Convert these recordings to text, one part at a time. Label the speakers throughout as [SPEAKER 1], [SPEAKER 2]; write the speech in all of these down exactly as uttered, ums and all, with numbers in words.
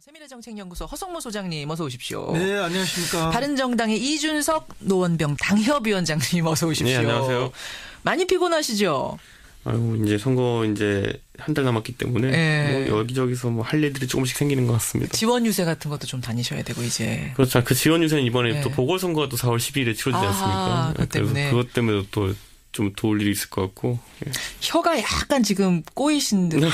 [SPEAKER 1] 세미래정책연구소 허성모 소장님 어서 오십시오.
[SPEAKER 2] 네, 안녕하십니까.
[SPEAKER 1] 바른정당의 이준석 노원병 당협위원장님 어서 오십시오.
[SPEAKER 3] 네, 안녕하세요.
[SPEAKER 1] 많이 피곤하시죠?
[SPEAKER 3] 아유, 이제 선거 이제 한 달 남았기 때문에
[SPEAKER 1] 네.
[SPEAKER 3] 뭐 여기저기서 뭐 할 일들이 조금씩 생기는 것 같습니다.
[SPEAKER 1] 지원 유세 같은 것도 좀 다니셔야 되고 이제.
[SPEAKER 3] 그렇죠. 그 지원 유세는 이번에
[SPEAKER 1] 네.
[SPEAKER 3] 또 보궐선거가 또 사월 십이일에 치러지지
[SPEAKER 1] 아,
[SPEAKER 3] 않습니까?
[SPEAKER 1] 그것 때문에.
[SPEAKER 3] 그래서 그것 때문에 또 좀 도울 일이 있을 것 같고. 예.
[SPEAKER 1] 혀가 약간 지금 꼬이신 듯.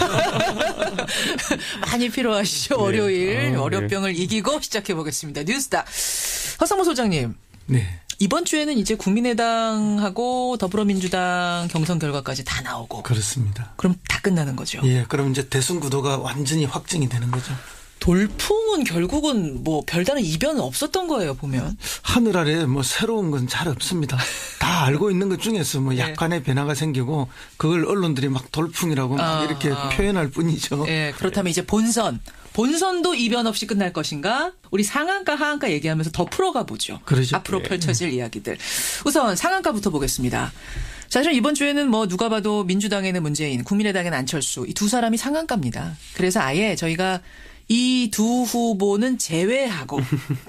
[SPEAKER 1] 많이 필요하시죠?
[SPEAKER 3] 네.
[SPEAKER 1] 월요일
[SPEAKER 3] 아,
[SPEAKER 1] 월요병을
[SPEAKER 3] 네.
[SPEAKER 1] 이기고 시작해 보겠습니다. 뉴스다. 허성모 소장님.
[SPEAKER 2] 네.
[SPEAKER 1] 이번 주에는 이제 국민의당하고 더불어민주당 경선 결과까지 다 나오고.
[SPEAKER 2] 그렇습니다.
[SPEAKER 1] 그럼 다 끝나는 거죠.
[SPEAKER 2] 예, 그럼 이제 대선 구도가 완전히 확정이 되는 거죠.
[SPEAKER 1] 돌풍은 결국은 뭐 별다른 이변은 없었던 거예요, 보면.
[SPEAKER 2] 하늘 아래 뭐 새로운 건 잘 없습니다. 다 알고 있는 것 중에서 뭐
[SPEAKER 1] 네.
[SPEAKER 2] 약간의 변화가 생기고 그걸 언론들이 막 돌풍이라고 막
[SPEAKER 1] 아,
[SPEAKER 2] 이렇게
[SPEAKER 1] 아.
[SPEAKER 2] 표현할 뿐이죠.
[SPEAKER 1] 예, 그렇다면 이제 본선. 본선도 이변 없이 끝날 것인가? 우리 상한가, 하한가 얘기하면서 더 풀어가 보죠.
[SPEAKER 2] 그러죠.
[SPEAKER 1] 앞으로
[SPEAKER 3] 네.
[SPEAKER 1] 펼쳐질 이야기들. 우선 상한가부터 보겠습니다. 사실 이번 주에는 뭐 누가 봐도 민주당에는 문재인, 국민의당에는 안철수 이 두 사람이 상한가입니다. 그래서 아예 저희가 이 두 후보는 제외하고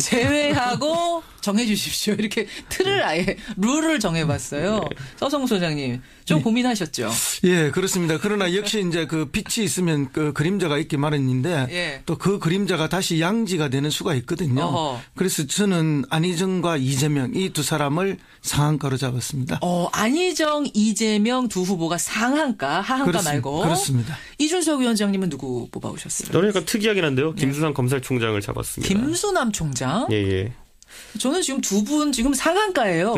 [SPEAKER 1] 제외하고 정해 주십시오. 이렇게 틀을 아예 룰을 정해봤어요. 서성무 소장님 좀
[SPEAKER 2] 네.
[SPEAKER 1] 고민하셨죠?
[SPEAKER 2] 예, 그렇습니다. 그러나 역시 이제 그 빛이 있으면 그 그림자가 있기 마련인데
[SPEAKER 1] 예.
[SPEAKER 2] 또 그 그림자가 다시 양지가 되는 수가 있거든요.
[SPEAKER 1] 어허.
[SPEAKER 2] 그래서 저는 안희정과 이재명 이 두 사람을 상한가로 잡았습니다.
[SPEAKER 1] 어, 안희정, 이재명 두 후보가 상한가, 하한가
[SPEAKER 2] 그렇습-
[SPEAKER 1] 말고.
[SPEAKER 2] 그렇습니다.
[SPEAKER 1] 이준석 위원장님은 누구 뽑아오셨어요?
[SPEAKER 3] 저는 약간 특이하긴 한데요. 김수남 검찰총장을 잡았습니다.
[SPEAKER 1] 김수남 총장?
[SPEAKER 3] 예, 예.
[SPEAKER 1] 저는 지금 두 분 지금 상한가예요.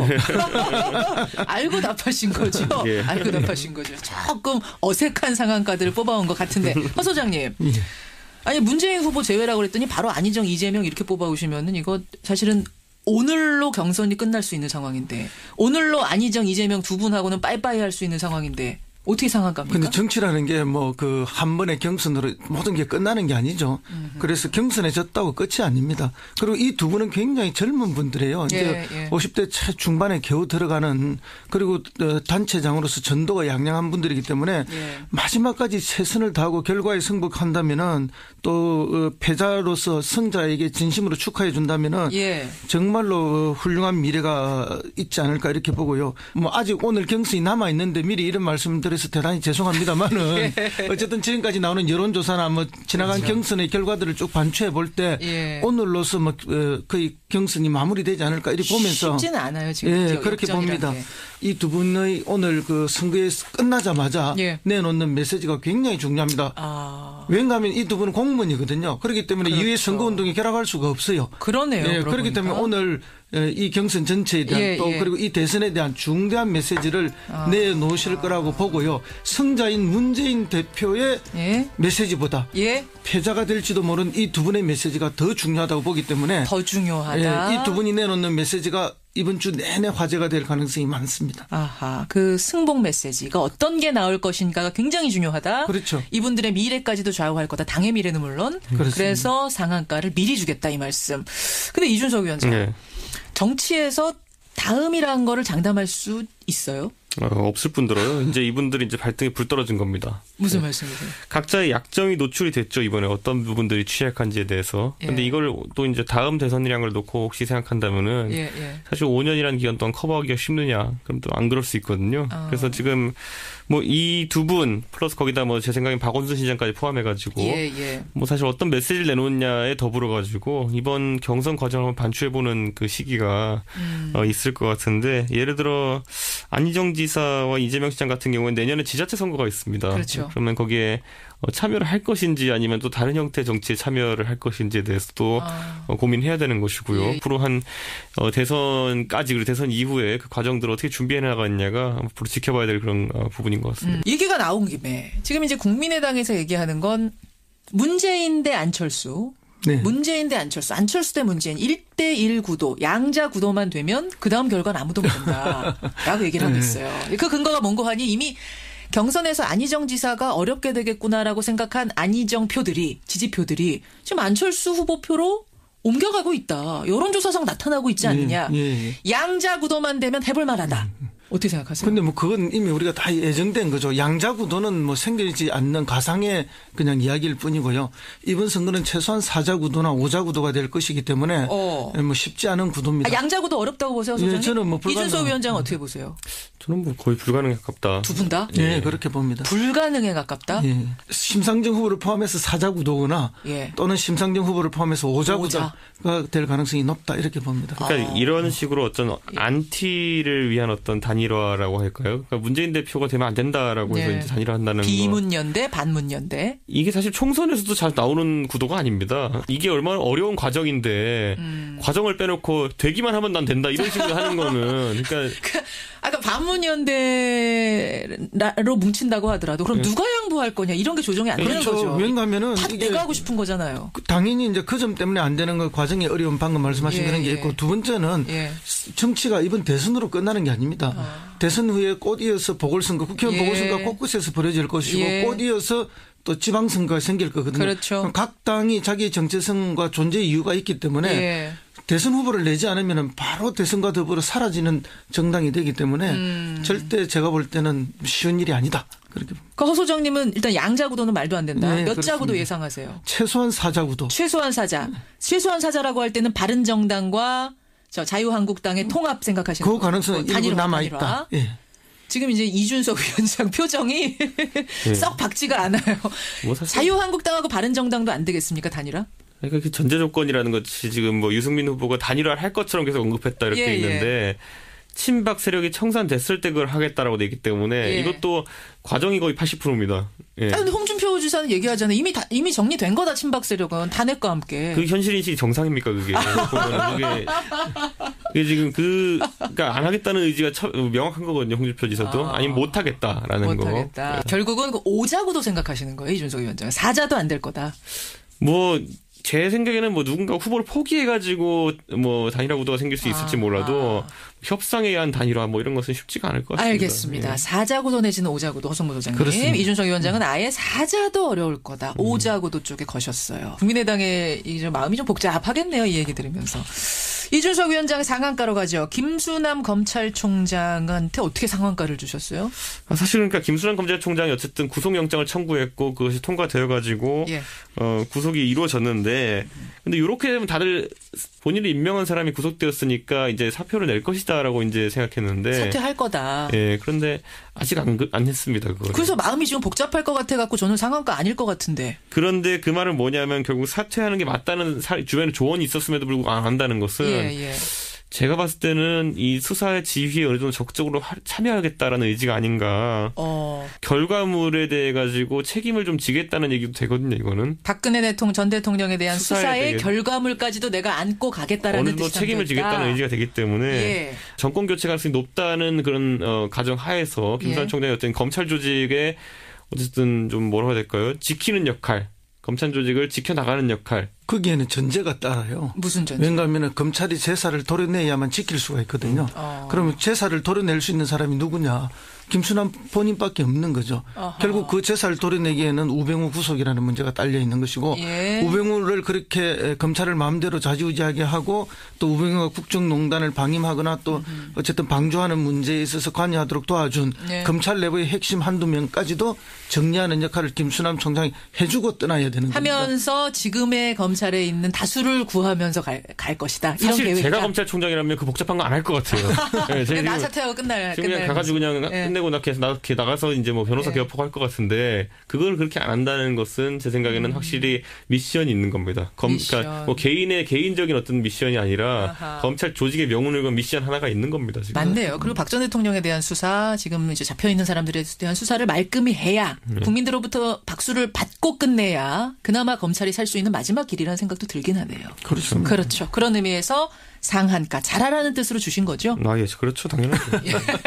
[SPEAKER 1] 알고 답하신 거죠?
[SPEAKER 3] 예.
[SPEAKER 1] 알고 답하신 거죠. 조금 어색한 상한가들을 뽑아온 것 같은데. 허 소장님.
[SPEAKER 2] 예.
[SPEAKER 1] 아니 문재인 후보 제외라고 그랬더니 바로 안희정, 이재명 이렇게 뽑아오시면은 이거 사실은 오늘로 경선이 끝날 수 있는 상황인데 오늘로 안희정, 이재명 두 분하고는 빠이빠이 할 수 있는 상황인데 어떻게 상한가입니까?
[SPEAKER 2] 근데 정치라는 게 뭐 그 한 번의 경선으로 모든 게 끝나는 게 아니죠.
[SPEAKER 1] 음흠.
[SPEAKER 2] 그래서 경선에 졌다고 끝이 아닙니다. 그리고 이 두 분은 굉장히 젊은 분들이에요. 이제
[SPEAKER 1] 예, 예.
[SPEAKER 2] 오십 대 초중반에 겨우 들어가는 그리고 어, 단체장으로서 전도가 양양한 분들이기 때문에
[SPEAKER 1] 예.
[SPEAKER 2] 마지막까지 최선을 다하고 결과에 승복한다면은 또 어, 패자로서 승자에게 진심으로 축하해 준다면은
[SPEAKER 1] 예.
[SPEAKER 2] 정말로 훌륭한 미래가 있지 않을까 이렇게 보고요. 뭐 아직 오늘 경선이 남아 있는데 미리 이런 말씀을 드려서 대단히 죄송합니다만은 어쨌든 지금까지 나오는 여론조사나 뭐 지나간
[SPEAKER 1] 그렇죠.
[SPEAKER 2] 경선의 결과들을 쭉 반추해 볼 때
[SPEAKER 1] 예.
[SPEAKER 2] 오늘로서 뭐 어, 거의 경선이 마무리되지 않을까 이렇게 보면서
[SPEAKER 1] 쉽지는 않아요 지금.
[SPEAKER 2] 예,
[SPEAKER 1] 역-
[SPEAKER 2] 그렇게
[SPEAKER 1] 역전이라는
[SPEAKER 2] 봅니다.
[SPEAKER 1] 게.
[SPEAKER 2] 이 두 분의 오늘 그 선거에 끝나자마자
[SPEAKER 1] 예.
[SPEAKER 2] 내놓는 메시지가 굉장히 중요합니다.
[SPEAKER 1] 아,
[SPEAKER 2] 왜냐하면 이 두 분은 공무원이거든요. 그렇기 때문에
[SPEAKER 1] 그렇죠.
[SPEAKER 2] 이후에 선거운동에 결합할 수가 없어요.
[SPEAKER 1] 그러네요.
[SPEAKER 2] 예,
[SPEAKER 1] 그러고
[SPEAKER 2] 그렇기
[SPEAKER 1] 보니까.
[SPEAKER 2] 때문에 오늘 이 경선 전체에 대한
[SPEAKER 1] 예,
[SPEAKER 2] 또
[SPEAKER 1] 예.
[SPEAKER 2] 그리고 이 대선에 대한 중대한 메시지를
[SPEAKER 1] 아.
[SPEAKER 2] 내놓으실 거라고 보고요. 승자인 문재인 대표의
[SPEAKER 1] 예,
[SPEAKER 2] 메시지보다
[SPEAKER 1] 예,
[SPEAKER 2] 패자가 될지도 모르는 이 두 분의 메시지가 더 중요하다고 보기 때문에
[SPEAKER 1] 더 중요하다.
[SPEAKER 2] 예, 이 두 분이 내놓는 메시지가 이번 주 내내 화제가 될 가능성이 많습니다.
[SPEAKER 1] 아하, 그 승복 메시지가 어떤 게 나올 것인가가 굉장히 중요하다.
[SPEAKER 2] 그렇죠.
[SPEAKER 1] 이분들의 미래까지도 좌우할 거다. 당의 미래는 물론.
[SPEAKER 2] 그렇습니다.
[SPEAKER 1] 그래서 상한가를 미리 주겠다 이 말씀. 근데 이준석 위원장,
[SPEAKER 3] 네.
[SPEAKER 1] 정치에서 다음이라는 거를 장담할 수 있어요?
[SPEAKER 3] 어, 없을 뿐더러요. 이제 이분들이 이제 발등에 불 떨어진 겁니다.
[SPEAKER 1] 무슨 말씀이세요?
[SPEAKER 3] 각자의 약점이 노출이 됐죠. 이번에 어떤 부분들이 취약한지에 대해서. 근데
[SPEAKER 1] 예.
[SPEAKER 3] 이걸 또 이제 다음 대선이라는 걸 놓고 혹시 생각한다면은
[SPEAKER 1] 예, 예.
[SPEAKER 3] 사실 오 년이라는 기간 동안 커버하기가 쉽느냐? 그럼 또 안 그럴 수 있거든요.
[SPEAKER 1] 아.
[SPEAKER 3] 그래서 지금 뭐 이 두 분 플러스 거기다 뭐 제 생각엔 박원순 시장까지 포함해가지고
[SPEAKER 1] 예, 예.
[SPEAKER 3] 뭐 사실 어떤 메시지를 내놓느냐에 더불어 가지고 이번 경선 과정을 한번 반추해보는 그 시기가
[SPEAKER 1] 음.
[SPEAKER 3] 어, 있을 것 같은데 예를 들어 안희정 지사와 이재명 시장 같은 경우는 내년에 지자체 선거가 있습니다.
[SPEAKER 1] 그렇죠.
[SPEAKER 3] 그러면 거기에 어, 참여를 할 것인지 아니면 또 다른 형태의 정치에 참여를 할 것인지에 대해서도
[SPEAKER 1] 아.
[SPEAKER 3] 어, 고민해야 되는 것이고요.
[SPEAKER 1] 예.
[SPEAKER 3] 앞으로 한 어, 대선까지 그리고 대선 이후에 그 과정들을 어떻게 준비해 나가느냐가 앞으로 지켜봐야 될 그런 어, 부분인 것 같습니다.
[SPEAKER 1] 음, 얘기가 나온 김에 지금 이제 국민의당에서 얘기하는 건 문재인 대 안철수.
[SPEAKER 2] 네.
[SPEAKER 1] 문재인 대 안철수, 안철수 대 문재인 일 대일 구도, 양자 구도만 되면 그 다음 결과는 아무도 모른다. 라고 얘기를 하고 있어요. 그 근거가 뭔고 하니 이미 경선에서 안희정 지사가 어렵게 되겠구나라고 생각한 안희정 표들이, 지지표들이 지금 안철수 후보 표로 옮겨가고 있다. 여론조사상 나타나고 있지 않느냐.
[SPEAKER 2] 예, 예.
[SPEAKER 1] 양자 구도만 되면 해볼 만하다. 어떻게 생각하세요?
[SPEAKER 2] 근데 뭐 그건 이미 우리가 다 예정된 거죠. 양자구도는 뭐 생기지 않는 가상의 그냥 이야기일 뿐이고요. 이번 선거는 최소한 사자구도나 오자구도가 될 것이기 때문에
[SPEAKER 1] 어.
[SPEAKER 2] 뭐 쉽지 않은 구도입니다.
[SPEAKER 1] 아, 양자구도 어렵다고 보세요, 소장님?
[SPEAKER 2] 예, 저는 뭐 불가능...
[SPEAKER 1] 이준석 위원장은 어떻게 보세요?
[SPEAKER 3] 저는 뭐 거의 불가능에 가깝다.
[SPEAKER 1] 두 분 다?
[SPEAKER 2] 네, 예, 그렇게 봅니다.
[SPEAKER 1] 불가능에 가깝다?
[SPEAKER 2] 예. 심상정 후보를 포함해서 사자구도거나 예. 또는 심상정 후보를 포함해서 오자구도가 오자. 될 가능성이 높다 이렇게 봅니다.
[SPEAKER 3] 그러니까 아. 이런 식으로 어떤 안티를 위한 어떤 단일화라고 할까요? 그러니까 문재인 대표가 되면 안 된다라고 해서 예. 이제 단일화한다는 거.
[SPEAKER 1] 비문연대, 반문연대.
[SPEAKER 3] 이게 사실 총선에서도 잘 나오는 구도가 아닙니다. 이게 얼마나 어려운 과정인데 음. 과정을 빼놓고 되기만 하면 난 된다 이런 식으로 하는 거는 그러니까.
[SPEAKER 1] 아까 반문연대로 뭉친다고 하더라도 그럼 네. 누가 양보할 거냐 이런 게 조정이 안 되는
[SPEAKER 2] 그렇죠.
[SPEAKER 1] 거죠.
[SPEAKER 2] 왜냐하면은
[SPEAKER 1] 다 내가 하고 싶은 거잖아요.
[SPEAKER 2] 당연히 이제 그 점 때문에 안 되는 건 과정이 어려운 방금 말씀하신 예, 그런 게 있고 예. 두 번째는 예. 정치가 이번 대선으로 끝나는 게 아닙니다. 어. 대선 후에 꽃이어서 보궐선거, 국회의원 예. 보궐선거가 곳곳에서 벌어질 것이고 예. 꽃이어서 또 지방선거가 생길 거거든요.
[SPEAKER 1] 그렇죠.
[SPEAKER 2] 각 당이 자기의 정체성과 존재 이유가 있기 때문에 예. 대선 후보를 내지 않으면 바로 대선과 더불어 사라지는 정당이 되기 때문에 음. 절대 제가 볼 때는 쉬운 일이 아니다. 그렇게.
[SPEAKER 1] 그 허 소장님은 일단 양자구도는 말도 안 된다.
[SPEAKER 2] 네,
[SPEAKER 1] 몇
[SPEAKER 2] 그렇습니다.
[SPEAKER 1] 자구도 예상하세요?
[SPEAKER 2] 최소한 사자구도.
[SPEAKER 1] 최소한 사자. 최소한 사자라고 할 때는 바른정당과 저 자유한국당의 통합 생각하시는
[SPEAKER 2] 그 가능성은 일부 남아있다. 예.
[SPEAKER 1] 지금 이제 이준석 위원장 표정이 네. 썩 박지가 않아요. 뭐 자유한국당하고 바른정당도 안 되겠습니까? 단일화?
[SPEAKER 3] 그러니까 그 전제 조건이라는 것이 지금 뭐 유승민 후보가 단일화를 할 것처럼 계속 언급했다 이렇게 예, 있는데 예. 친박 세력이 청산됐을 때 그걸 하겠다라고 돼 있기 때문에 예. 이것도 과정이 거의 팔십 퍼센트입니다. 예.
[SPEAKER 1] 그런데 홍준표 지사는 얘기하잖아요. 이미 다, 이미 정리된 거다 친박 세력은 탄핵과 함께.
[SPEAKER 3] 그 현실 인식이 정상입니까 그게? 그게, 그게 지금 그 그러니까 안 하겠다는 의지가 처, 명확한 거거든요. 홍준표 지사도 아. 아니면 못 하겠다라는 거.
[SPEAKER 1] 못하겠다. 결국은 그 오자구도 생각하시는 거예요, 이준석 위원장. 사자도 안 될 거다.
[SPEAKER 3] 뭐. 제 생각에는 뭐 누군가 후보를 포기해가지고 뭐 단일화 구도가 생길 수 있을지 몰라도 아, 아. 협상에 의한 단일화 뭐 이런 것은 쉽지가 않을 것 같습니다.
[SPEAKER 1] 알겠습니다. 예. 사자구도 내지는 오자구도 허성무 소장님.
[SPEAKER 2] 그렇습니다.
[SPEAKER 1] 이준석 위원장은 아예 사자도 어려울 거다. 음. 오자구도 쪽에 거셨어요. 국민의당의 이제 마음이 좀 복잡하겠네요. 이 얘기 들으면서. 이준석 위원장의 상한가로 가죠. 김수남 검찰총장한테 어떻게 상한가를 주셨어요?
[SPEAKER 3] 아, 사실 그러니까 김수남 검찰총장이 어쨌든 구속영장을 청구했고 그것이 통과되어가지고 예. 어, 구속이 이루어졌는데 근데 이렇게 되면 다들 본인이 임명한 사람이 구속되었으니까 이제 사표를 낼 것이다라고 이제 생각했는데
[SPEAKER 1] 사퇴할 거다.
[SPEAKER 3] 예, 그런데 아직 안, 안 했습니다. 그거를.
[SPEAKER 1] 그래서 마음이 지금 복잡할 것 같아 갖고 저는 상한가 아닐 것 같은데.
[SPEAKER 3] 그런데 그 말은 뭐냐면 결국 사퇴하는 게 맞다는 사, 주변에 조언이 있었음에도 불구하고 안 한다는 것은 예, 예. 제가 봤을 때는 이 수사의 지휘에 어느 정도 적극적으로 참여하겠다라는 의지가 아닌가. 어. 결과물에 대해 가지고 책임을 좀 지겠다는 얘기도 되거든요. 이거는.
[SPEAKER 1] 박근혜 대통령 전 대통령에 대한 수사의, 수사의 결과물까지도 내가 안고 가겠다라는
[SPEAKER 3] 어느 정도 책임을 지겠다는 의지가 되기 때문에 예. 정권 교체 가능성이 높다는 그런 어, 가정 하에서 김수남 예. 총장이 어떤 검찰 조직에 어쨌든 좀 뭐라고 해야 될까요? 지키는 역할. 검찰 조직을 지켜나가는 역할.
[SPEAKER 2] 거기에는 전제가 따라요.
[SPEAKER 1] 무슨 전제?
[SPEAKER 2] 왜냐하면 검찰이 제사를 도려내야만 지킬 수가 있거든요. 어. 그러면 제사를 도려낼 수 있는 사람이 누구냐. 김수남 본인밖에 없는 거죠. 어허. 결국 그 제사를 도려내기에는 우병우 구속이라는 문제가 딸려 있는 것이고 예. 우병우를 그렇게 검찰을 마음대로 좌지우지하게 하고 또 우병우가 국정농단을 방임하거나 또 음. 어쨌든 방조하는 문제에 있어서 관여하도록 도와준 예. 검찰 내부의 핵심 한두 명까지도 정리하는 역할을 김수남 총장이 해주고 떠나야 되는 겁니다.
[SPEAKER 1] 하면서 지금의 검찰에 있는 다수를 구하면서 갈, 갈 것이다. 이런
[SPEAKER 3] 사실
[SPEAKER 1] 계획이다.
[SPEAKER 3] 제가 검찰총장이라면 그 복잡한 거 안 할 것 같아요. 네,
[SPEAKER 1] 그냥 나 사퇴하고 끝날.
[SPEAKER 3] 지금 그냥 가가지고 그냥 예. 끝내고 나 이렇게 나가서 이제 뭐 변호사 네. 개업하고 할 것 같은데 그걸 그렇게 안 한다는 것은 제 생각에는 음. 확실히 미션이 있는 겁니다. 검, 미션. 그러니까 뭐 개인의 개인적인 어떤 미션이 아니라 아하. 검찰 조직의 명운을 건 미션 하나가 있는 겁니다. 지금.
[SPEAKER 1] 맞네요. 그리고 박 전 대통령에 대한 수사 지금 이제 잡혀 있는 사람들에 대한 수사를 말끔히 해야 네. 국민들로부터 박수를 받고 끝내야 그나마 검찰이 살 수 있는 마지막 길이라는 생각도 들긴 하네요.
[SPEAKER 2] 그렇습니다.
[SPEAKER 1] 그렇죠. 그런 의미에서 상한가 잘하라는 뜻으로 주신 거죠?
[SPEAKER 3] 아, 예, 그렇죠. 당연하죠.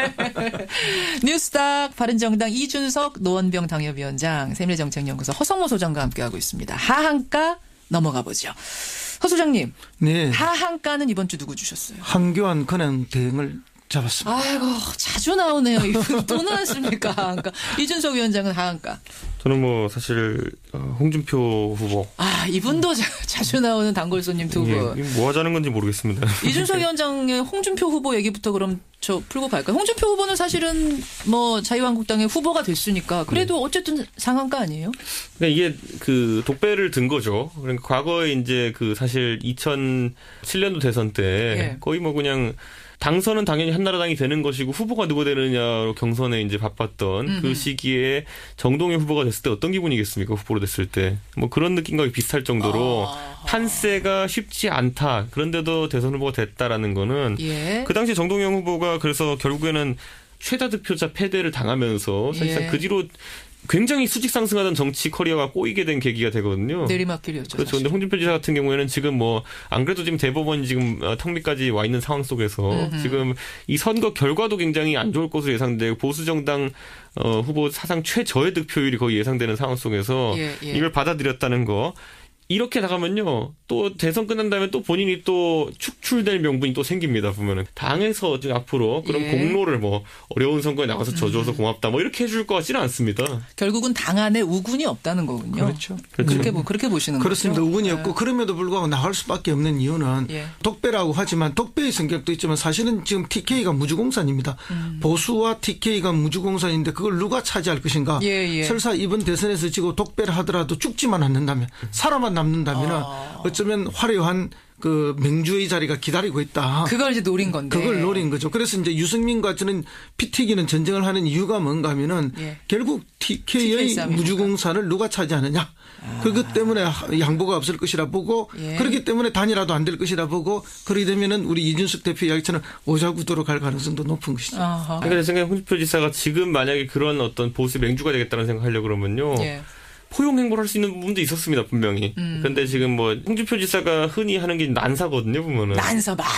[SPEAKER 1] 뉴스닥 바른정당 이준석 노원병 당협위원장 세밀정책연구소 허성모 소장과 함께하고 있습니다. 하한가 넘어가 보죠. 허 소장님.
[SPEAKER 2] 네.
[SPEAKER 1] 하한가는 이번 주 누구 주셨어요?
[SPEAKER 2] 한교안 근행 대행을 잡았습니다.
[SPEAKER 1] 아이고 자주 나오네요. 이분 또 나왔습니까? 하한가. 이준석 위원장은 하한가.
[SPEAKER 3] 저는 뭐 사실 어, 홍준표 후보.
[SPEAKER 1] 아, 이분도 자, 자주 나오는 단골 손님 두 분.
[SPEAKER 3] 예, 뭐 하자는 건지 모르겠습니다.
[SPEAKER 1] 이준석 위원장의 홍준표 후보 얘기부터 그럼 저 풀고 갈까요? 홍준표 후보는 사실은 뭐 자유한국당의 후보가 됐으니까 그래도 네. 어쨌든 상한가 아니에요?
[SPEAKER 3] 그러니까 이게 그 독배를 든 거죠. 그러니까 과거에 이제 그 사실 이천칠 년도 대선 때 네. 거의 뭐 그냥 당선은 당연히 한나라당이 되는 것이고 후보가 누가 되느냐로 경선에 이제 바빴던 음흠. 그 시기에 정동영 후보가 됐을 때 어떤 기분이겠습니까? 후보로 됐을 때. 뭐 그런 느낌과 비슷할 정도로 아... 판세가 쉽지 않다. 그런데도 대선 후보가 됐다라는 거는 예. 그 당시 정동영 후보가 그래서 결국에는 최다 득표자 패배를 당하면서 사실상 예. 그 뒤로 굉장히 수직 상승하던 정치 커리어가 꼬이게 된 계기가 되거든요.
[SPEAKER 1] 내리막길이었죠.
[SPEAKER 3] 그렇죠. 그런데 홍준표 지사 같은 경우에는 지금 뭐 안 그래도 지금 대법원이 지금 턱밑까지 와 있는 상황 속에서 음흠. 지금 이 선거 결과도 굉장히 안 좋을 것으로 예상되고 보수 정당 어, 후보 사상 최저의 득표율이 거의 예상되는 상황 속에서 예, 예. 이걸 받아들였다는 거. 이렇게 나가면요, 또 대선 끝난 다음에 또 본인이 또 축출될 명분이 또 생깁니다, 보면은. 당에서 앞으로 그런 예. 공로를 뭐, 어려운 선거에 나가서 져줘서 음. 고맙다, 뭐, 이렇게 해줄 것 같지는 않습니다.
[SPEAKER 1] 결국은 당 안에 우군이 없다는 거군요.
[SPEAKER 2] 그렇죠.
[SPEAKER 1] 그렇게, 음. 그렇게 보시는
[SPEAKER 2] 그렇습니다.
[SPEAKER 1] 거죠?
[SPEAKER 2] 우군이
[SPEAKER 1] 예.
[SPEAKER 2] 없고, 그럼에도 불구하고 나갈 수밖에 없는 이유는 예. 독배라고 하지만, 독배의 성격도 있지만, 사실은 지금 티케이가 무주공산입니다. 음. 보수와 티케이가 무주공산인데, 그걸 누가 차지할 것인가. 예, 예. 설사 이번 대선에서 지고 독배를 하더라도 죽지만 않는다면, 사람만 남는다면 아. 어쩌면 화려한 그 맹주의 자리가 기다리고 있다.
[SPEAKER 1] 그걸 이제 노린 건데.
[SPEAKER 2] 그걸 노린 거죠. 그래서 이제 유승민과 저는 피튀기는 전쟁을 하는 이유가 뭔가 하면은 예. 결국 티케이의 무주공산을 누가 차지하느냐. 아. 그것 때문에 양보가 없을 것이라 보고 예. 그렇기 때문에 단일화도 안 될 것이라 보고 그러게 되면은 우리 이준석 대표 이야기처럼 오자구도로 갈 가능성도 높은 것이죠.
[SPEAKER 3] 아하. 그러니까 제 생각에 홍준표 지사가 지금 만약에 그런 어떤 보수 맹주가 되겠다는 생각하려고 그러면요. 예. 포용 행보를 할 수 있는 부분도 있었습니다, 분명히. 음. 근데 지금 뭐 홍준표 지사가 흔히 하는 게 난사거든요, 보면은.
[SPEAKER 1] 난사 막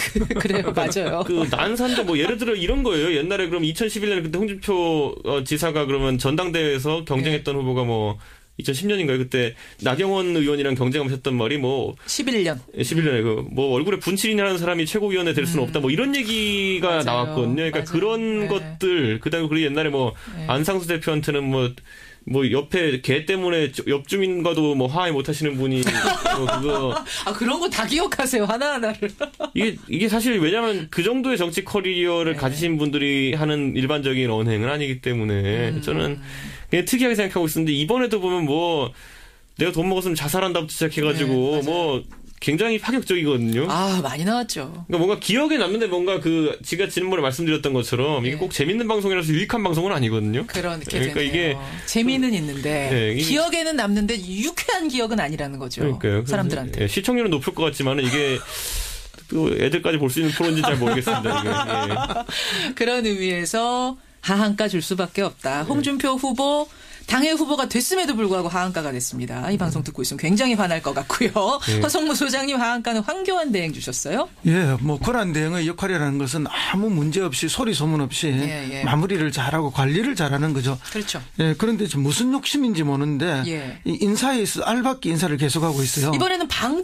[SPEAKER 1] 그래요, 맞아요.
[SPEAKER 3] 그 난사인데 뭐 예를 들어 이런 거예요. 옛날에 그럼 이천십일 년에 그때 홍준표 지사가 그러면 전당대회에서 경쟁했던 네. 후보가 뭐 이천십 년인가요? 그때 나경원 의원이랑 경쟁하면서 했던 말이 뭐
[SPEAKER 1] 십일 년.
[SPEAKER 3] 십일 년에 그 뭐 얼굴에 분칠이라는 사람이 최고위원회 될 수는 음. 없다. 뭐 이런 얘기가
[SPEAKER 1] 맞아요.
[SPEAKER 3] 나왔거든요. 그러니까 맞아요. 그런 네. 것들 그다음에 그리고 옛날에 뭐 네. 안상수 대표한테는 뭐 뭐 옆에 개 때문에 옆 주민과도 뭐 화해 못 하시는 분이 뭐 그거
[SPEAKER 1] 아 그런 거 다 기억하세요 하나하나를
[SPEAKER 3] 이게 이게 사실 왜냐하면 그 정도의 정치 커리어를 네. 가지신 분들이 하는 일반적인 언행은 아니기 때문에 음. 저는 그냥 특이하게 생각하고 있었는데 이번에도 보면 뭐 내가 돈 먹었으면 자살한다부터 시작해가지고 네, 뭐 굉장히 파격적이거든요.
[SPEAKER 1] 아 많이 나왔죠.
[SPEAKER 3] 그러니까 뭔가 기억에 남는데 뭔가 그 제가 지난번에 말씀드렸던 것처럼 이게 네. 꼭 재밌는 방송이라서 유익한 방송은 아니거든요.
[SPEAKER 1] 그렇게
[SPEAKER 3] 그러니까
[SPEAKER 1] 되네요. 이게
[SPEAKER 3] 재미는
[SPEAKER 1] 있는데 네, 이게 기억에는 남는데 유쾌한 기억은 아니라는 거죠.
[SPEAKER 3] 그러니까요.
[SPEAKER 1] 사람들한테.
[SPEAKER 3] 네, 시청률은 높을 것 같지만은 이게 또 애들까지 볼 수 있는 프로인지 잘 모르겠습니다. 이게. 네.
[SPEAKER 1] 그런 의미에서 하한가 줄 수밖에 없다. 홍준표 후보. 당의 후보가 됐음에도 불구하고 하한가가 됐습니다. 이 방송 듣고 있으면 굉장히 화날 것 같고요. 네. 허성무 소장님 하한가는 황교안 대행 주셨어요?
[SPEAKER 2] 예, 뭐 권한 대행의 역할이라는 것은 아무 문제 없이 소리 소문 없이 예, 예. 마무리를 잘하고 관리를 잘하는 거죠.
[SPEAKER 1] 그렇죠.
[SPEAKER 2] 예, 그런데 무슨 욕심인지 모르는데
[SPEAKER 1] 예.
[SPEAKER 2] 이 인사에 있어 알박기 인사를 계속하고 있어요.
[SPEAKER 1] 이번에는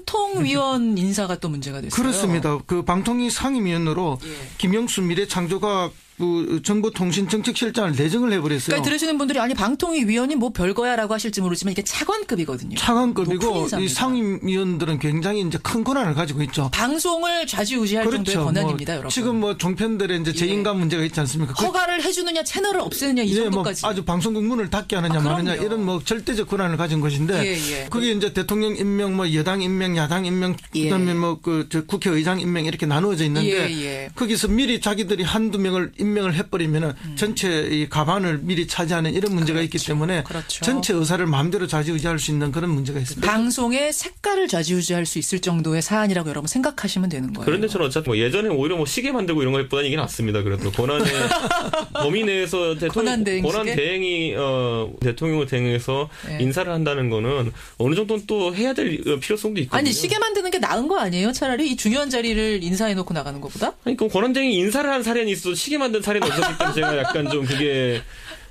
[SPEAKER 1] 방통위원 인사가 또 문제가 됐어요.
[SPEAKER 2] 그렇습니다. 그 방통위 상임위원으로 예. 김영수 미래창조과학 그 정보통신정책실장을 내정을 해버렸어요.
[SPEAKER 1] 그러니까 들으시는 분들이 아니 방통위 위원이 뭐 별거야라고 하실지 모르지만 이게 차관급이거든요.
[SPEAKER 2] 차관급이고 이 상임위원들은 굉장히 이제 큰 권한을 가지고 있죠.
[SPEAKER 1] 방송을 좌지우지할
[SPEAKER 2] 그렇죠.
[SPEAKER 1] 정도의 권한입니다,
[SPEAKER 2] 뭐
[SPEAKER 1] 여러분.
[SPEAKER 2] 지금 뭐 종편들의 이제 재인감 예. 문제가 있지 않습니까?
[SPEAKER 1] 허가를 해주느냐, 채널을 없애느냐 이
[SPEAKER 2] 예,
[SPEAKER 1] 정도까지.
[SPEAKER 2] 뭐 아주 방송국 문을 닫게 하느냐, 아, 마느냐 이런 뭐 절대적 권한을 가진 것인데
[SPEAKER 1] 예, 예.
[SPEAKER 2] 그게 이제 대통령 임명, 뭐 여당 임명, 야당 임명, 예. 그다음에 뭐 그 국회의장 임명 이렇게 나누어져 있는데
[SPEAKER 1] 예, 예.
[SPEAKER 2] 거기서 미리 자기들이 한두 명을 임명을 해버리면 음. 전체 이 가반을 미리 차지하는 이런 문제가 그렇죠. 있기 때문에
[SPEAKER 1] 그렇죠.
[SPEAKER 2] 전체 의사를 마음대로 좌지우지할 수 있는 그런 문제가 있습니다.
[SPEAKER 1] 방송의 색깔을 좌지우지할 수 있을 정도의 사안이라고 여러분 생각하시면 되는 거예요.
[SPEAKER 3] 그런데 저는 어차피 뭐 예전에 오히려 뭐 시계 만들고 이런 것보다는 이게 낫습니다. 그래도 권한의 범위 내에서 대통령 권한 대행이 어, 대통령을 대행해서 네. 인사를 한다는 거는 어느 정도는 또 해야 될 필요성도 있거든요.
[SPEAKER 1] 아니 시계 만드는 게 나은 거 아니에요? 차라리 이 중요한 자리를 인사해놓고 나가는 것보다?
[SPEAKER 3] 아니 그럼 권한 대행이 인사를 한 사례는 있어도 시계 만든 사례는 없었기 때문에 제가 약간 좀 그게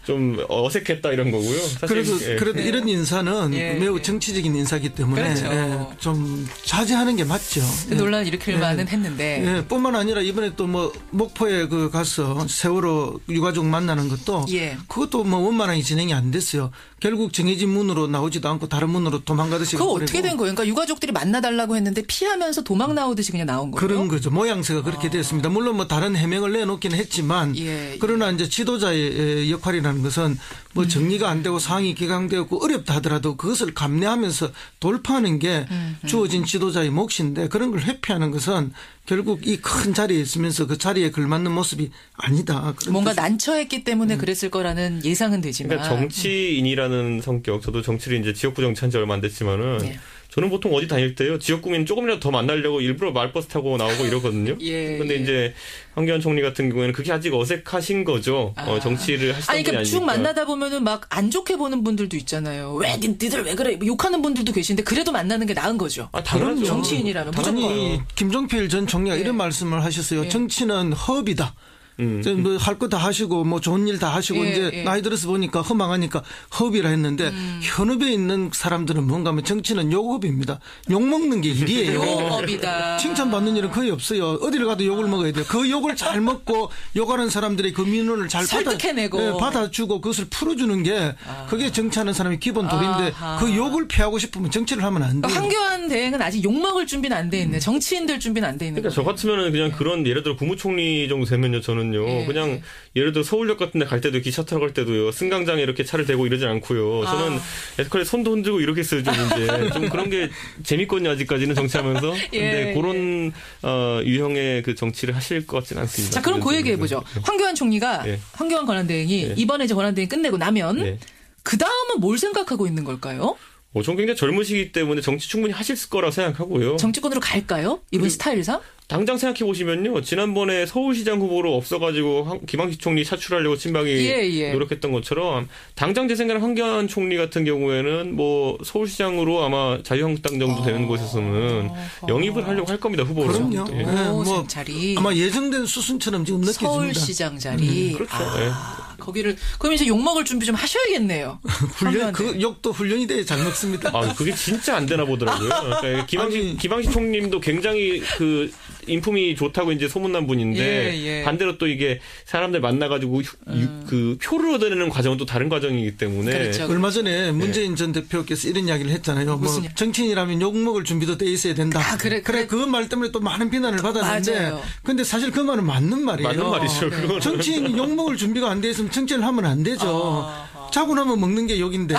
[SPEAKER 3] 좀 어색했다 이런 거고요. 사실
[SPEAKER 2] 그래도
[SPEAKER 3] 예.
[SPEAKER 2] 그래도 이런 인사는
[SPEAKER 1] 예,
[SPEAKER 2] 매우
[SPEAKER 1] 예.
[SPEAKER 2] 정치적인 인사기 때문에
[SPEAKER 1] 그렇죠.
[SPEAKER 2] 예, 좀 자제하는 게 맞죠.
[SPEAKER 1] 그 논란 일으킬
[SPEAKER 2] 예.
[SPEAKER 1] 만은 했는데.
[SPEAKER 2] 예, 뿐만 아니라 이번에 또 뭐 목포에 그 가서 세월호 유가족 만나는 것도
[SPEAKER 1] 예.
[SPEAKER 2] 그것도 뭐 원만하게 진행이 안 됐어요. 결국 정해진 문으로 나오지도 않고 다른 문으로 도망가듯이.
[SPEAKER 1] 그거 어떻게 된 거예요? 그러니까 유가족들이 만나달라고 했는데 피하면서 도망 나오듯이 그냥 나온 거예요?
[SPEAKER 2] 그런 거죠. 모양새가 그렇게
[SPEAKER 1] 아.
[SPEAKER 2] 됐습니다. 물론 뭐 다른 해명을 내놓긴 했지만
[SPEAKER 1] 예, 예.
[SPEAKER 2] 그러나 이제 지도자의 역할이라는 것은 뭐 정리가 안 되고 상황이 기강되었고 어렵다 하더라도 그것을 감내하면서 돌파하는 게
[SPEAKER 1] 음, 음.
[SPEAKER 2] 주어진 지도자의 몫인데 그런 걸 회피하는 것은 결국 이 큰 자리에 있으면서 그 자리에 걸맞는 모습이 아니다.
[SPEAKER 1] 뭔가
[SPEAKER 2] 뜻이.
[SPEAKER 1] 난처했기 때문에 그랬을 거라는 예상은 되지만.
[SPEAKER 3] 그러니까 정치인이라는 성격, 저도 정치를 이제 지역구 정치한 지 얼마 안 됐지만은
[SPEAKER 1] 네.
[SPEAKER 3] 저는 보통 어디 다닐 때요 지역구민 조금이라도 더 만나려고 일부러 마을버스 타고 나오고 이러거든요.
[SPEAKER 1] 예,
[SPEAKER 3] 근데
[SPEAKER 1] 예.
[SPEAKER 3] 이제 황교안 총리 같은 경우에는 그게 아직 어색하신 거죠.
[SPEAKER 1] 아.
[SPEAKER 3] 어, 정치를 하시던
[SPEAKER 1] 아니,
[SPEAKER 3] 분이
[SPEAKER 1] 그러니까
[SPEAKER 3] 아니니까.
[SPEAKER 1] 쭉 만나다 보면은 막 안 좋게 보는 분들도 있잖아요. 왜 니, 니들 왜 그래? 욕하는 분들도 계신데 그래도 만나는 게 나은 거죠.
[SPEAKER 3] 아, 당연하죠.
[SPEAKER 1] 정치인이라면 무조건.
[SPEAKER 2] 아니 김종필 전 총리가
[SPEAKER 1] 예.
[SPEAKER 2] 이런 말씀을 하셨어요.
[SPEAKER 1] 예.
[SPEAKER 2] 정치는 허업이다.
[SPEAKER 3] 음.
[SPEAKER 2] 뭐 할 거 다 하시고 뭐 좋은 일 다 하시고
[SPEAKER 1] 예,
[SPEAKER 2] 이제
[SPEAKER 1] 예.
[SPEAKER 2] 나이 들어서 보니까 허망하니까 허업이라 했는데
[SPEAKER 1] 음.
[SPEAKER 2] 현업에 있는 사람들은 뭔가 하면 정치는 욕업입니다. 욕 먹는 게 일이에요.
[SPEAKER 1] 욕업이다.
[SPEAKER 2] 칭찬받는 일은 거의 없어요. 어디를 가도 욕을 먹어야 돼요. 그 욕을 잘 먹고 욕하는 사람들의 그 민원을 잘
[SPEAKER 1] 설득해내고.
[SPEAKER 2] 받아, 네, 받아주고 그것을 풀어주는 게 그게 정치하는 사람의 기본 도리인데
[SPEAKER 1] 아하.
[SPEAKER 2] 그 욕을 피하고 싶으면 정치를 하면 안 돼요.
[SPEAKER 1] 황교안 대행은 아직 욕 먹을 준비는 안 돼 있네. 정치인들 준비는 안 돼 있는
[SPEAKER 3] 그러니까
[SPEAKER 1] 거예요.
[SPEAKER 3] 저 같으면은 그냥 그런 예를 들어 국무총리 정도 되면요 저는요
[SPEAKER 1] 예.
[SPEAKER 3] 그냥 예를 들어 서울역 같은 데 갈 때도 기차 타러 갈 때도요 승강장에 이렇게 차를 대고 이러진 않고요 저는
[SPEAKER 1] 아.
[SPEAKER 3] 에스컬레이터 손도 흔들고 이렇게 써요 좀 이제 좀 그런 게 재밌거든요 아직까지는 정치하면서 근데
[SPEAKER 1] 예,
[SPEAKER 3] 그런 어, 유형의 그 정치를 하실 것 같지는 않습니다.
[SPEAKER 1] 자, 그럼 그 얘기 해보죠. 황교안 총리가,
[SPEAKER 3] 예.
[SPEAKER 1] 황교안 권한대행이
[SPEAKER 3] 예.
[SPEAKER 1] 이번에 이제 권한대행 끝내고 나면
[SPEAKER 3] 네.
[SPEAKER 1] 그 다음은 뭘 생각하고 있는 걸까요?
[SPEAKER 3] 어, 전 굉장히 젊으시기 때문에 정치 충분히 하실 거라고 생각하고요.
[SPEAKER 1] 정치권으로 갈까요? 이분
[SPEAKER 3] 그리고-
[SPEAKER 1] 스타일상?
[SPEAKER 3] 당장 생각해 보시면요. 지난번에 서울시장 후보로 없어가지고 황- 김항식 총리 차출하려고 친박이
[SPEAKER 1] 예, 예.
[SPEAKER 3] 노력했던 것처럼 당장 제 생각에는 황교안 총리 같은 경우에는 뭐 서울시장으로 아마 자유한국당 정도 되는 곳에서는
[SPEAKER 1] 어허.
[SPEAKER 3] 영입을 하려고 할 겁니다. 후보로.
[SPEAKER 2] 그럼요.
[SPEAKER 3] 예.
[SPEAKER 2] 네,
[SPEAKER 1] 오,
[SPEAKER 2] 뭐
[SPEAKER 1] 자리.
[SPEAKER 2] 아마 예정된 수순처럼 지금 느껴집니다.
[SPEAKER 1] 서울시장 자리.
[SPEAKER 3] 그렇죠.
[SPEAKER 1] 아, 거기를, 그럼 이제 욕먹을 준비 좀 하셔야겠네요.
[SPEAKER 2] 훈련,
[SPEAKER 1] 황교안
[SPEAKER 2] 그
[SPEAKER 1] 대행.
[SPEAKER 2] 욕도 훈련이 돼야 잘 먹습니다.
[SPEAKER 3] 아, 그게 진짜 안 되나 보더라고요. 그러니까 김항식,
[SPEAKER 2] 아니.
[SPEAKER 3] 김항식 총님도 굉장히 그 인품이 좋다고 이제 소문난 분인데
[SPEAKER 1] 예, 예.
[SPEAKER 3] 반대로 또 이게 사람들 만나가지고 휴- 유- 그 표를 얻어내는 과정은 또 다른 과정이기 때문에
[SPEAKER 1] 그렇죠.
[SPEAKER 2] 얼마 전에 문재인 전 대표께서 이런 이야기를 했잖아요. 뭐
[SPEAKER 1] 무슨 일?
[SPEAKER 2] 정치인이라면 욕먹을 준비도 돼 있어야 된다.
[SPEAKER 1] 아, 그래, 그래.
[SPEAKER 2] 그 말 때문에 또 많은 비난을 받았는데
[SPEAKER 1] 맞아요.
[SPEAKER 2] 근데 사실 그 말은 맞는 말이에요.
[SPEAKER 3] 맞는 말이죠.
[SPEAKER 1] 네.
[SPEAKER 3] 그거는.
[SPEAKER 2] 정치인이 욕먹을 준비가 안 돼 있으면 정치를 하면 안 되죠.
[SPEAKER 1] 아,
[SPEAKER 2] 자고 나면 먹는 게 욕인데.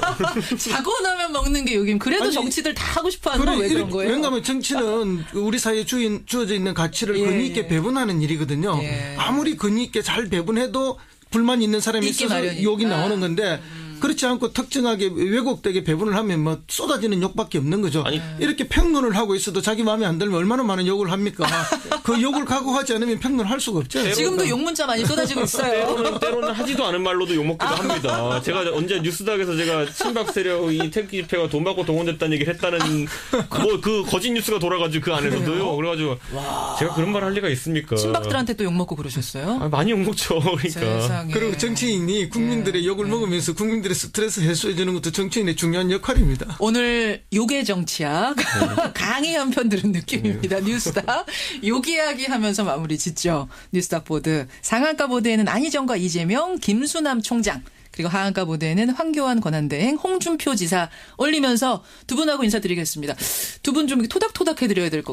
[SPEAKER 1] 자고 나면 먹는 게 여긴 그래도
[SPEAKER 2] 아니,
[SPEAKER 1] 정치들 다 하고 싶어 하는 건 왜 그런 거예요?
[SPEAKER 2] 왜냐하면 정치는 우리 사회에 주인, 주어져 있는 가치를
[SPEAKER 1] 예,
[SPEAKER 2] 근위 있게
[SPEAKER 1] 예.
[SPEAKER 2] 배분하는 일이거든요.
[SPEAKER 1] 예.
[SPEAKER 2] 아무리 근위 있게 잘 배분해도 불만 있는 사람이
[SPEAKER 1] 있기
[SPEAKER 2] 있어서
[SPEAKER 1] 마련이니까.
[SPEAKER 2] 욕이 나오는 건데 그렇지 않고 특정하게 왜곡되게 배분을 하면 뭐 쏟아지는 욕밖에 없는 거죠.
[SPEAKER 3] 아니.
[SPEAKER 2] 이렇게 평론을 하고 있어도 자기 마음에 안 들면 얼마나 많은 욕을 합니까? 그 욕을 각오하지 않으면 평론을 할 수가 없죠.
[SPEAKER 1] 지금도 욕 문자 많이 쏟아지고 있어요.
[SPEAKER 3] 때로는, 때로는 하지도 않은 말로도 욕먹기도 합니다. 제가 언제 뉴스닥에서 제가 친박 세력 이 태극기 집회가 돈 받고 동원됐다는 얘기를 했다는 뭐 그 거짓 뉴스가 돌아가지고 그 안에서도요. 그래가지고 제가 그런 말 할 리가 있습니까?
[SPEAKER 1] 친박들한테 또 욕먹고 그러셨어요?
[SPEAKER 3] 아, 많이 욕먹죠. 그러니까.
[SPEAKER 1] 세상에.
[SPEAKER 2] 그리고 정치인이 국민들의
[SPEAKER 1] 예.
[SPEAKER 2] 욕을 먹으면서 국민들의 스트레스 해소해 주는 것도 정치인의 중요한 역할입니다.
[SPEAKER 1] 오늘 욕의 정치학 강의 한 편 들은 느낌입니다. 뉴스닥 욕 이야기 하면서 마무리 짓죠. 뉴스닥 보드 상한가 보드에는 안희정과 이재명, 김수남 총장 그리고 하한가 보드에는 황교안 권한대행, 홍준표 지사 올리면서 두 분하고 인사드리겠습니다. 두 분 좀 토닥토닥 해드려야 될 것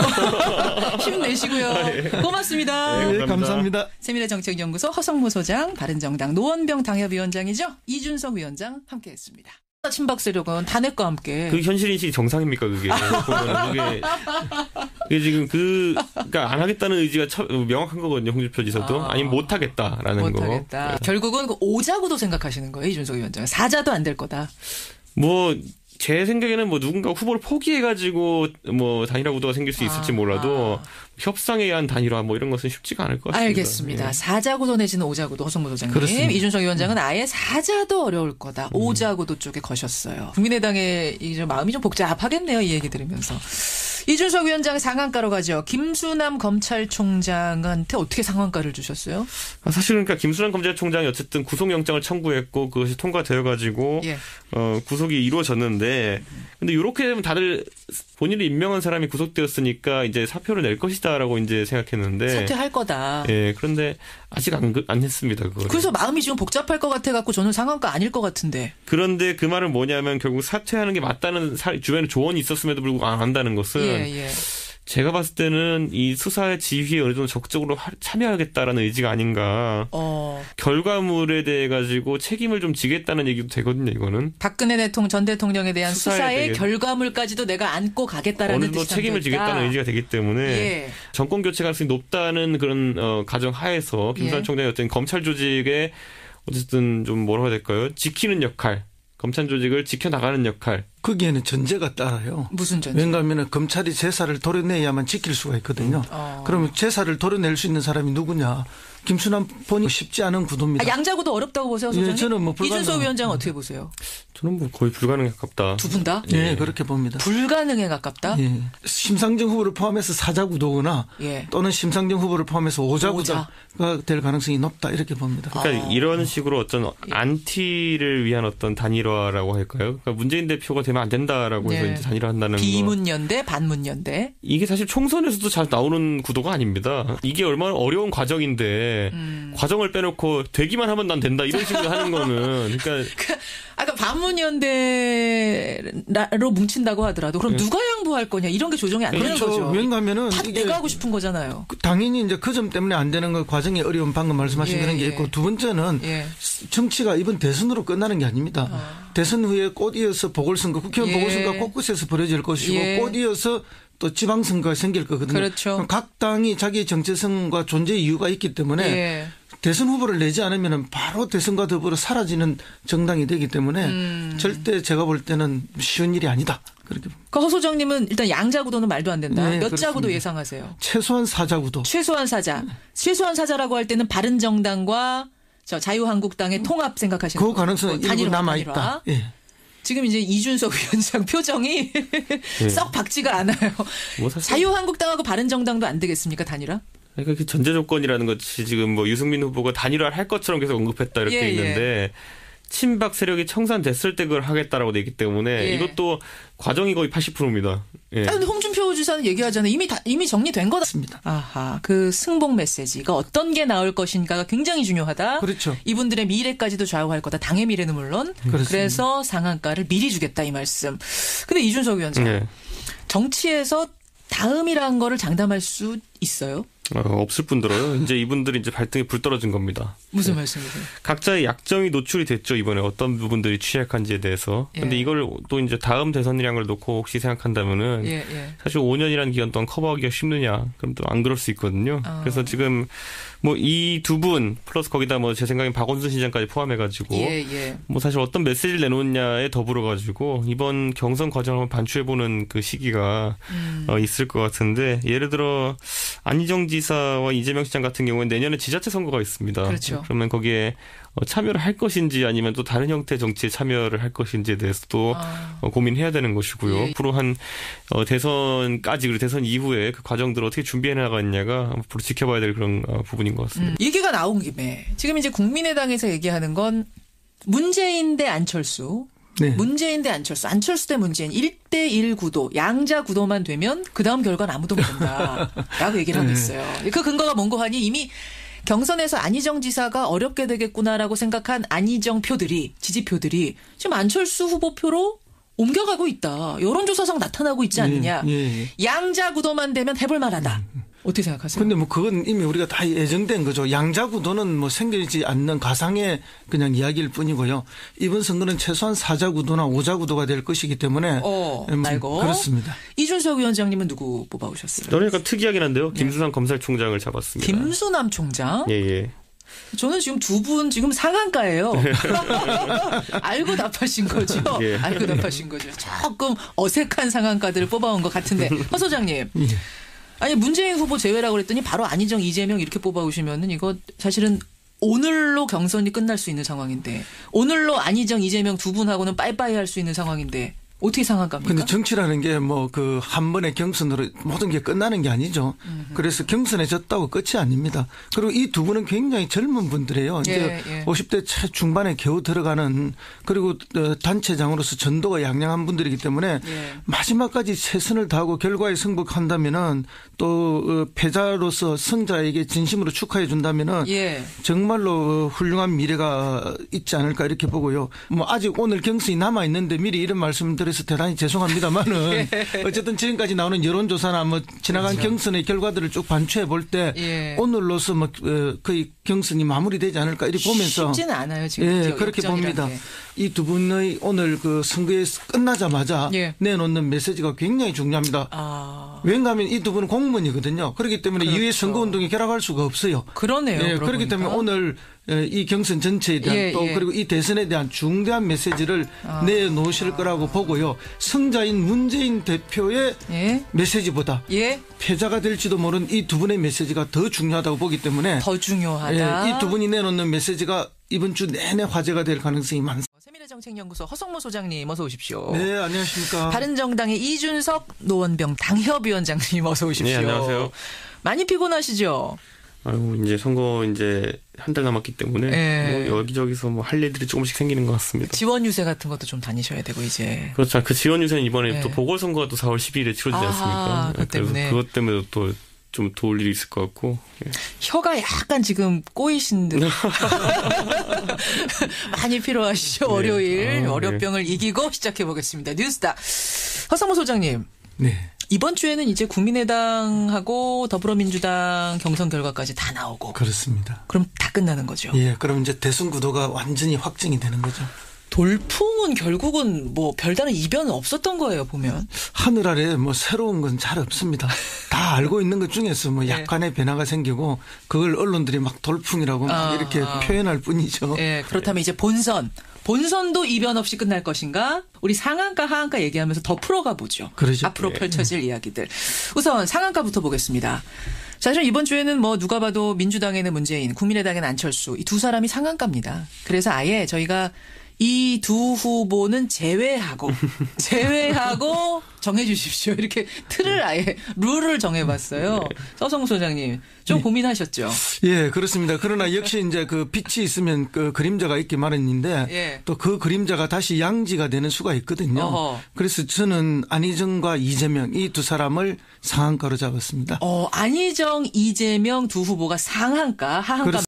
[SPEAKER 1] 같아요. 힘내시고요. 고맙습니다.
[SPEAKER 3] 네,
[SPEAKER 2] 네, 감사합니다.
[SPEAKER 1] 세미래 정책연구소 허성모 소장, 바른정당 노원병 당협위원장이죠. 이준석 위원장 함께했습니다. 친박 세력은 탄핵과 함께
[SPEAKER 3] 그 현실 인식이 정상입니까 그게? 보면은 그게 그게 지금 그 그러니까 안 하겠다는 의지가 처, 명확한 거거든요. 홍준표 지사도
[SPEAKER 1] 아.
[SPEAKER 3] 아니면 못 하겠다라는 거.
[SPEAKER 1] 못하겠다. 결국은 그 오자구도 생각하시는 거예요, 이준석 위원장. 사자도 안 될 거다.
[SPEAKER 3] 뭐 제 생각에는 뭐 누군가 후보를 포기해가지고 뭐 단일화 구도가 생길 수 있을지
[SPEAKER 1] 아,
[SPEAKER 3] 몰라도
[SPEAKER 1] 아.
[SPEAKER 3] 협상에 의한 단일화 뭐 이런 것은 쉽지가 않을 것 같습니다.
[SPEAKER 1] 알겠습니다.
[SPEAKER 3] 예.
[SPEAKER 1] 사자구도 내지는 오자구도 허성모 소장님.
[SPEAKER 2] 그렇습니다.
[SPEAKER 1] 이준석 위원장은 아예 사자도 어려울 거다. 오자구도 쪽에 거셨어요. 국민의당의 이제 마음이 좀 복잡하겠네요. 이 얘기 들으면서. 이준석 위원장 상한가로 가죠. 김수남 검찰총장한테 어떻게 상한가를 주셨어요?
[SPEAKER 3] 아, 사실 그러니까 김수남 검찰총장이 어쨌든 구속영장을 청구했고 그것이 통과되어가지고 예. 어, 구속이 이루어졌는데 근데 이렇게 되면 다들 본인이 임명한 사람이 구속되었으니까 이제 사표를 낼 것이다라고 이제 생각했는데
[SPEAKER 1] 사퇴할 거다.
[SPEAKER 3] 예, 그런데 아직 안, 안 했습니다. 그거를.
[SPEAKER 1] 그래서 마음이 지금 복잡할 것 같아갖고 저는 상한가 아닐 것 같은데.
[SPEAKER 3] 그런데 그 말은 뭐냐면 결국 사퇴하는 게 맞다는 사, 주변에 조언이 있었음에도 불구하고 안 한다는 것은
[SPEAKER 1] 예, 예.
[SPEAKER 3] 제가 봤을 때는 이 수사의 지휘에 어느 정도 적극적으로 하, 참여하겠다라는 의지가 아닌가. 어. 결과물에 대해 가지고 책임을 좀 지겠다는 얘기도 되거든요. 이거는.
[SPEAKER 1] 박근혜 대통령 전 대통령에 대한 수사의, 수사의 결과물까지도 내가 안고 가겠다라는
[SPEAKER 3] 어느 정도 책임을 지겠다는 의지가 되기 때문에 예. 정권 교체 가능성이 높다는 그런 어, 가정 하에서 김수남 예. 총장이 어떤 검찰 조직에 어쨌든 좀 뭐라고 해야 될까요? 지키는 역할. 검찰 조직을 지켜나가는 역할.
[SPEAKER 2] 거기에는 전제가 따라요.
[SPEAKER 1] 무슨 전제?
[SPEAKER 2] 왜냐하면 검찰이 제사를 도려내야만 지킬 수가 있거든요. 음. 어. 그러면 제사를 도려낼 수 있는 사람이 누구냐. 김수남 본이 쉽지 않은 구도입니다.
[SPEAKER 1] 아, 양자구도 어렵다고 보세요, 소장님?
[SPEAKER 2] 예, 저는 뭐 불가능...
[SPEAKER 1] 이준석 위원장 어떻게 보세요?
[SPEAKER 3] 저는 뭐 거의 불가능에 가깝다.
[SPEAKER 1] 두 분 다?
[SPEAKER 2] 예, 예, 그렇게 봅니다.
[SPEAKER 1] 불가능에 가깝다?
[SPEAKER 2] 예. 심상정 후보를 포함해서 사자구도거나 예. 또는 심상정 후보를 포함해서 오자구도가 오자. 될 가능성이 높다 이렇게 봅니다.
[SPEAKER 3] 그러니까 아. 이런 식으로 어떤 예. 안티를 위한 어떤 단일화라고 할까요? 그러니까 문재인 대표가 되면 안 된다라고 해서 예. 이제 단일화한다는 거.
[SPEAKER 1] 비문연대, 반문연대.
[SPEAKER 3] 이게 사실 총선에서도 잘 나오는 구도가 아닙니다. 이게 얼마나 어려운 과정인데 음. 과정을 빼놓고 되기만 하면 난 된다 이런 식으로 하는 거는 그러니까.
[SPEAKER 1] 아까 반문연대로 뭉친다고 하더라도 그럼 네. 누가 양보할 거냐 이런 게 조정이 안 되는
[SPEAKER 2] 그렇죠.
[SPEAKER 1] 거죠.
[SPEAKER 2] 왜냐하면은
[SPEAKER 1] 다 내가 하고 싶은 거잖아요.
[SPEAKER 2] 당연히 이제 그 점 때문에 안 되는 건 과정이 어려운 방금 말씀하신 예, 그런 게 있고 예. 두 번째는 예. 정치가 이번 대선으로 끝나는 게 아닙니다. 어. 대선 후에 꽃이어서 보궐선거, 국회의원 예. 보궐선거가 곳곳에서 벌어질 것이고 예. 꽃이어서 또 지방선거가 생길 거거든요.
[SPEAKER 1] 그렇죠.
[SPEAKER 2] 각 당이 자기의 정체성과 존재 이유가 있기 때문에 예. 대선 후보를 내지 않으면 바로 대선과 더불어 사라지는 정당이 되기 때문에 음. 절대 제가 볼 때는 쉬운 일이 아니다. 그렇게.
[SPEAKER 1] 그 허 소장님은 일단 양자구도는 말도 안 된다.
[SPEAKER 2] 네,
[SPEAKER 1] 몇
[SPEAKER 2] 그렇습니다.
[SPEAKER 1] 자구도 예상하세요?
[SPEAKER 2] 최소한 사자구도.
[SPEAKER 1] 최소한 사자. 최소한 사자라고 할 때는 바른정당과 저 자유한국당의 통합 생각하시는
[SPEAKER 2] 그 가능성은 뭐 일부 남아있다. 예.
[SPEAKER 1] 지금 이제 이준석 위원장 표정이 네. 썩 박지가 않아요. 뭐 자유한국당하고 바른정당도 안 되겠습니까? 단일화?
[SPEAKER 3] 그러니까 그 전제 조건이라는 것이 지금 뭐 유승민 후보가 단일화를 할 것처럼 계속 언급했다 이렇게 예, 있는데 예. 친박 세력이 청산됐을 때 그걸 하겠다라고 돼 있기 때문에 예. 이것도 과정이 거의 팔십 퍼센트입니다. 예.
[SPEAKER 1] 그런데 홍준표 지사는 얘기하잖아요. 이미 다, 이미 정리된 거다.습니다. 아하, 그 승복 메시지가 어떤 게 나올 것인가가 굉장히 중요하다.
[SPEAKER 2] 그렇죠.
[SPEAKER 1] 이분들의 미래까지도 좌우할 거다. 당의 미래는 물론. 그렇습니다. 그래서 상한가를 미리 주겠다 이 말씀. 근데 이준석 위원장 예. 정치에서 다음이라는 거를 장담할 수 있어요?
[SPEAKER 3] 어, 없을 뿐더러요. 이제 이분들이 이제 발등에 불 떨어진 겁니다.
[SPEAKER 1] 무슨 네. 말씀이세요?
[SPEAKER 3] 각자의 약점이 노출이 됐죠. 이번에 어떤 부분들이 취약한지에 대해서. 예. 근데 이걸 또 이제 다음 대선이라는 걸 놓고 혹시 생각한다면은 예, 예. 사실 오 년이라는 기간 동안 커버하기가 쉽느냐? 그럼 또 안 그럴 수 있거든요. 어. 그래서 지금 뭐 이 두 분 플러스 거기다 뭐 제 생각엔 박원순 시장까지 포함해가지고 예, 예. 뭐 사실 어떤 메시지를 내놓느냐에 더불어가지고 이번 경선 과정을 반추해보는 그 시기가 음. 어, 있을 것 같은데 예를 들어 안희정 지사와 이재명 시장 같은 경우는 내년에 지자체 선거가 있습니다.
[SPEAKER 1] 그렇죠.
[SPEAKER 3] 그러면 거기에 참여를 할 것인지 아니면 또 다른 형태의 정치에 참여를 할 것인지에 대해서도 아. 고민해야 되는 것이고요. 예. 앞으로 한 대선까지 그리고 대선 이후에 그 과정들을 어떻게 준비해 나가느냐가 앞으로 지켜봐야 될 그런 부분인 것 같습니다.
[SPEAKER 1] 음. 얘기가 나온 김에 지금 이제 국민의당에서 얘기하는 건 문재인 대 안철수. 네. 문재인 대 안철수, 안철수 대 문재인 일 대 일 구도, 양자 구도만 되면 그다음 결과는 아무도 모른다라고 얘기를 하고 있어요. 그 근거가 뭔고 하니 이미 경선에서 안희정 지사가 어렵게 되겠구나라고 생각한 안희정 표들이, 지지표들이 지금 안철수 후보 표로 옮겨가고 있다. 여론조사상 나타나고 있지 않느냐. 예, 예. 양자 구도만 되면 해볼 만하다. 어떻게 생각하세요?
[SPEAKER 2] 근데 뭐 그건 이미 우리가 다 예정된 거죠. 양자구도는 뭐 생기지 않는 가상의 그냥 이야기일 뿐이고요. 이번 선거는 최소한 사자구도나 오자구도가 될 것이기 때문에.
[SPEAKER 1] 어, 말고.
[SPEAKER 2] 그렇습니다.
[SPEAKER 1] 이준석 위원장님은 누구 뽑아오셨어요?
[SPEAKER 3] 저는 약간 특이하긴 한데요. 김수남 네. 검찰총장을 잡았습니다.
[SPEAKER 1] 김수남 총장?
[SPEAKER 3] 예, 예.
[SPEAKER 1] 저는 지금 두 분 지금 상한가예요. 알고 답하신 거죠? 예. 알고 답하신 거죠. 조금 어색한 상한가들을 뽑아온 것 같은데. 허 소장님. 예. 아니 문재인 후보 제외라고 그랬더니 바로 안희정, 이재명 이렇게 뽑아오시면은 이거 사실은 오늘로 경선이 끝날 수 있는 상황인데 오늘로 안희정, 이재명 두 분하고는 빠이빠이 할 수 있는 상황인데 어떻게 상한가입니까?
[SPEAKER 2] 근데 정치라는 게 뭐 그 한 번의 경선으로 모든 게 끝나는 게 아니죠.
[SPEAKER 1] 음흠.
[SPEAKER 2] 그래서 경선에 졌다고 끝이 아닙니다. 그리고 이 두 분은 굉장히 젊은 분들이에요. 이제
[SPEAKER 1] 예, 예.
[SPEAKER 2] 오십 대 중반에 겨우 들어가는 그리고 단체장으로서 전도가 양양한 분들이기 때문에
[SPEAKER 1] 예.
[SPEAKER 2] 마지막까지 최선을 다하고 결과에 승복한다면은 또 패자로서 승자에게 진심으로 축하해 준다면은
[SPEAKER 1] 예.
[SPEAKER 2] 정말로 훌륭한 미래가 있지 않을까 이렇게 보고요. 뭐 아직 오늘 경선이 남아 있는데 미리 이런 말씀을 드려서 대단히 죄송합니다만은 어쨌든 지금까지 나오는 여론조사나 뭐 지나간 그렇죠. 경선의 결과들을 쭉 반추해 볼 때
[SPEAKER 1] 예.
[SPEAKER 2] 오늘로서 뭐 거의 경선이 마무리되지 않을까 이렇게 보면서
[SPEAKER 1] 쉽지는 않아요 지금.
[SPEAKER 2] 예, 그렇게 봅니다. 이 두 분의 오늘 그 선거에 끝나자마자 예. 내놓는 메시지가 굉장히 중요합니다.
[SPEAKER 1] 아.
[SPEAKER 2] 왜냐하면 이 두 분은 공무원이거든요. 그렇기 때문에 그렇죠. 이후에 선거운동에 결합할 수가 없어요.
[SPEAKER 1] 그러네요.
[SPEAKER 2] 예, 그렇기 때문에 오늘 이 경선 전체에 대한
[SPEAKER 1] 예,
[SPEAKER 2] 또
[SPEAKER 1] 예.
[SPEAKER 2] 그리고 이 대선에 대한 중대한 메시지를 아. 내놓으실 거라고 보고요. 승자인 문재인 대표의
[SPEAKER 1] 예?
[SPEAKER 2] 메시지보다
[SPEAKER 1] 예?
[SPEAKER 2] 패자가 될지도 모르는 이 두 분의 메시지가 더 중요하다고 보기 때문에
[SPEAKER 1] 더 중요하다.
[SPEAKER 2] 예, 이 두 분이 내놓는 메시지가 이번 주 내내 화제가 될 가능성이 많습니다.
[SPEAKER 1] 세미래정책연구소 허성모 소장님 어서 오십시오.
[SPEAKER 2] 네, 안녕하십니까.
[SPEAKER 1] 바른정당의 이준석 노원병 당협위원장님 어서 오십시오.
[SPEAKER 3] 네, 안녕하세요.
[SPEAKER 1] 많이 피곤하시죠?
[SPEAKER 3] 아유, 이제 선거 이제 한 달 남았기 때문에 네. 뭐 여기저기서 뭐 할 일들이 조금씩 생기는 것 같습니다.
[SPEAKER 1] 지원 유세 같은 것도 좀 다니셔야 되고 이제.
[SPEAKER 3] 그렇죠. 그 지원 유세는 이번에
[SPEAKER 1] 네.
[SPEAKER 3] 또 보궐선거가 또 사월 십이일에 치러지지 않습니까?
[SPEAKER 1] 그것 때문에.
[SPEAKER 3] 그래서 그것 때문에 또 좀 도울 일이 있을 것 같고. 예.
[SPEAKER 1] 혀가 약간 지금 꼬이신 듯. 많이 필요하시죠. 네. 월요일 아, 월요병을 네. 이기고 시작해 보겠습니다. 뉴스타 허성모 소장님.
[SPEAKER 2] 네.
[SPEAKER 1] 이번 주에는 이제 국민의당하고 더불어민주당 경선 결과까지 다 나오고.
[SPEAKER 2] 그렇습니다.
[SPEAKER 1] 그럼 다 끝나는 거죠.
[SPEAKER 2] 예, 그럼 이제 대선 구도가 완전히 확정이 되는 거죠.
[SPEAKER 1] 돌풍은 결국은 뭐 별다른 이변은 없었던 거예요, 보면.
[SPEAKER 2] 하늘 아래 뭐 새로운 건 잘 없습니다. 다 알고 있는 것 중에서 뭐 약간의 네. 변화가 생기고 그걸 언론들이 막 돌풍이라고 막 아, 이렇게 아. 표현할 뿐이죠.
[SPEAKER 1] 네, 그렇다면 이제 본선. 본선도 이변 없이 끝날 것인가? 우리 상한가, 하한가 얘기하면서 더 풀어가 보죠.
[SPEAKER 2] 그러죠.
[SPEAKER 1] 앞으로 펼쳐질 네. 이야기들. 우선 상한가부터 보겠습니다. 사실 이번 주에는 뭐 누가 봐도 민주당에는 문재인, 국민의당에는 안철수 이 두 사람이 상한가입니다. 그래서 아예 저희가 이 두 후보는 제외하고 제외하고 정해 주십시오. 이렇게 틀을 아예 룰을 정해봤어요. 서성무 소장님 좀 예. 고민하셨죠?
[SPEAKER 2] 예, 그렇습니다. 그러나 역시 이제 그 빛이 있으면 그 그림자가 있기 마련인데
[SPEAKER 1] 예.
[SPEAKER 2] 또 그 그림자가 다시 양지가 되는 수가 있거든요.
[SPEAKER 1] 어허.
[SPEAKER 2] 그래서 저는 안희정과 이재명 이 두 사람을 상한가로 잡았습니다.
[SPEAKER 1] 어, 안희정, 이재명 두 후보가 상한가, 하한가.